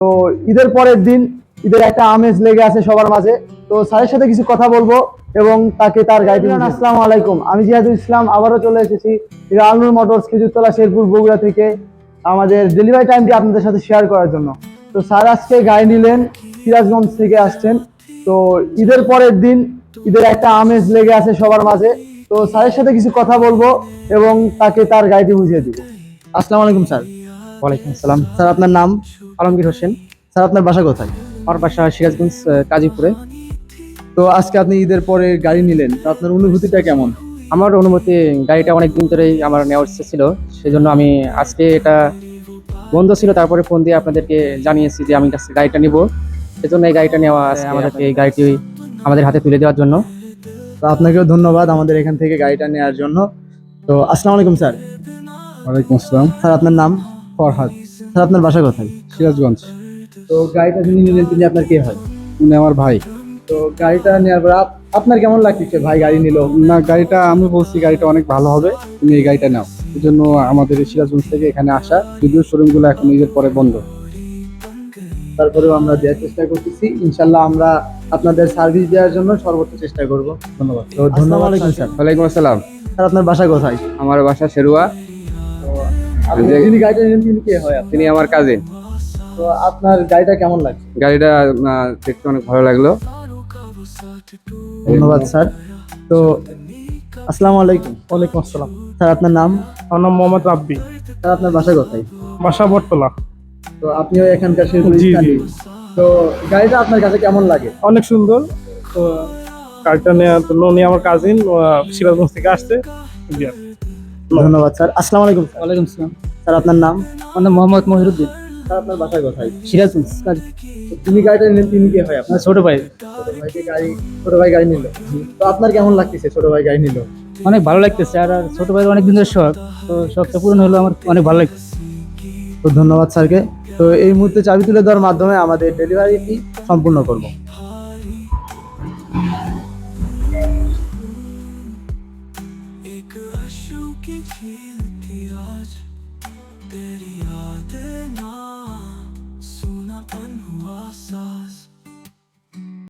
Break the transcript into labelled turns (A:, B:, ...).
A: তো ঈদের পরের দিন ঈদের একটা আমেজ লেগে আছে সবার মাঝে। তো স্যারের সাথে কিছু কথা বলবো এবং তাকে তার গাইড। আসসালামু আলাইকুম, আমি জিয়াদুল ইসলাম আবারও চলে এসেছি আলনুর মোটরস খেজুরতলা শেরপুর বগুড়া থেকে আমাদের ডেলিভারি টাইমটি আপনাদের সাথে শেয়ার করার জন্য। তো স্যার আজকে গাড়ি নিলেন, সিরাজগঞ্জ থেকে আসছেন। তো ঈদের পরের দিন ঈদের একটা আমেজ লেগে আছে সবার মাঝে। তো স্যারের সাথে কিছু কথা বলবো এবং তাকে তার গাড়িটি বুঝিয়ে দিব। আসসালামু আলাইকুম স্যার।
B: ওয়ালাইকুম আসসালাম।
A: স্যার আপনার নাম?
B: আলমগীর হোসেন।
A: স্যার আপনার বাসা কোথায়?
B: আমার বাসা সিরাজগঞ্জ, কাজীপুরে।
A: তো আজকে আপনি ঈদের পরে গাড়ি নিলেন, তো আপনার অনুভূতিটা কেমন?
B: আমার অনুমতি, গাড়িটা অনেক দিন ধরেই আমার নেওয়ার ইচ্ছে ছিল, সেজন্য আমি আজকে এটা বন্ধ ছিল, তারপরে ফোন দিয়ে আপনাদেরকে জানিয়েছি যে আমি আজকে গাড়িটা নিব। সেজন্য এই গাড়িটা নেওয়া, আমাদেরকে এই গাড়িটি আমাদের হাতে তুলে দেওয়ার জন্য।
A: তো আপনাকেও ধন্যবাদ আমাদের এখান থেকে গাড়িটা নেওয়ার জন্য। তো আসসালামু আলাইকুম স্যার।
C: ওয়ালাইকুম আসসালাম।
A: স্যার আপনার নাম?
C: ফরহাদ,
A: স্যার আপনার বাসা কোথায়?
C: সিরাজগঞ্জ।
A: তো গাড়িটা যিনি নিলেন তিনি আপনার কে হয়?
C: উনি আমার ভাই।
A: তো গাড়িটা নেওয়ার পর আপনার কেমন লাগছে? ভাই গাড়ি নিল।
C: না, গাড়িটা আমি বলছি গাড়িটা অনেক ভালো হবে, তুমি এই গাড়িটা নাও। এই জন্য আমাদের এই সিরাজগঞ্জ থেকে এখানে আসা, যদিও শোরুমগুলো এখন ঈদের পরে বন্ধ।
A: তারপরেও আমরা দেওয়ার চেষ্টা করতেছি, ইনশাল্লাহ আমরা আপনাদের সার্ভিস দেওয়ার জন্য সর্বোচ্চ চেষ্টা করব। ধন্যবাদ। তো ধন্যবাদ স্যার।
D: ওয়ালাইকুম আসসালাম।
A: স্যার আপনার বাসা কোথায়?
D: আমার বাসা শেরুয়া।
A: আপনি যিনি গাড়িটা নিলেন তিনি কে হয়?
D: তিনি আমার কাজিন।
A: তো আপনার গাড়িটা কেমন লাগছে?
D: গাড়িটা দেখতে অনেক ভালো লাগলো।
A: ধন্যবাদ স্যার। তো আসসালামু আলাইকুম।
E: ওয়ালাইকুম আসসালাম।
A: স্যার আপনার নাম?
E: আমার নাম মোহাম্মদ রাব্বি,
A: স্যার আপনার বাসা কোথায়?
E: বাসা বটতলা।
A: তো আপনিও এখানকার শেরপুর
E: জি,
A: স্থানীয়।
E: জি।
A: তো গাড়িটা আপনার কাছে কেমন লাগে?
E: অনেক সুন্দর। তো গাড়িটা নেওয়ার জন্য উনি আমার কাজিন সিরাজগঞ্জ থেকে আসছে। জি।
A: ধন্যবাদ স্যার। আসসালামু আলাইকুম স্যার।
B: ওয়ালাইকুম আসসালাম।
A: স্যার আপনার নাম?
B: আমার নাম মোহাম্মদ মহিরুদ্দিন,
A: স্যার আপনার বাসা কোথায়?
B: সিরাজগঞ্জ।
A: তো তিনি গাড়িটা নিলেন, তিনি কে হয় আপনার?
B: ছোট ভাই।
A: ছোট ভাই গাড়ি নিল। তো আপনার কেমন লাগতেছে ছোট ভাই গাড়ি নিল?
B: অনেক ভালো লাগতেছে, আর ছোট ভাই অনেক দিনের শখ, তো শখটা পূরণ হলো, আমার অনেক ভালো লাগতেছে।
A: তো ধন্যবাদ স্যারকে। তো এই মুহূর্তে চাবি তুলে দেওয়ার মাধ্যমে আমাদের ডেলিভারিটি সম্পূর্ণ করব।
F: एक आंसू की झील थी आज, तेरी यादें ना, सुनापन हुआ साज।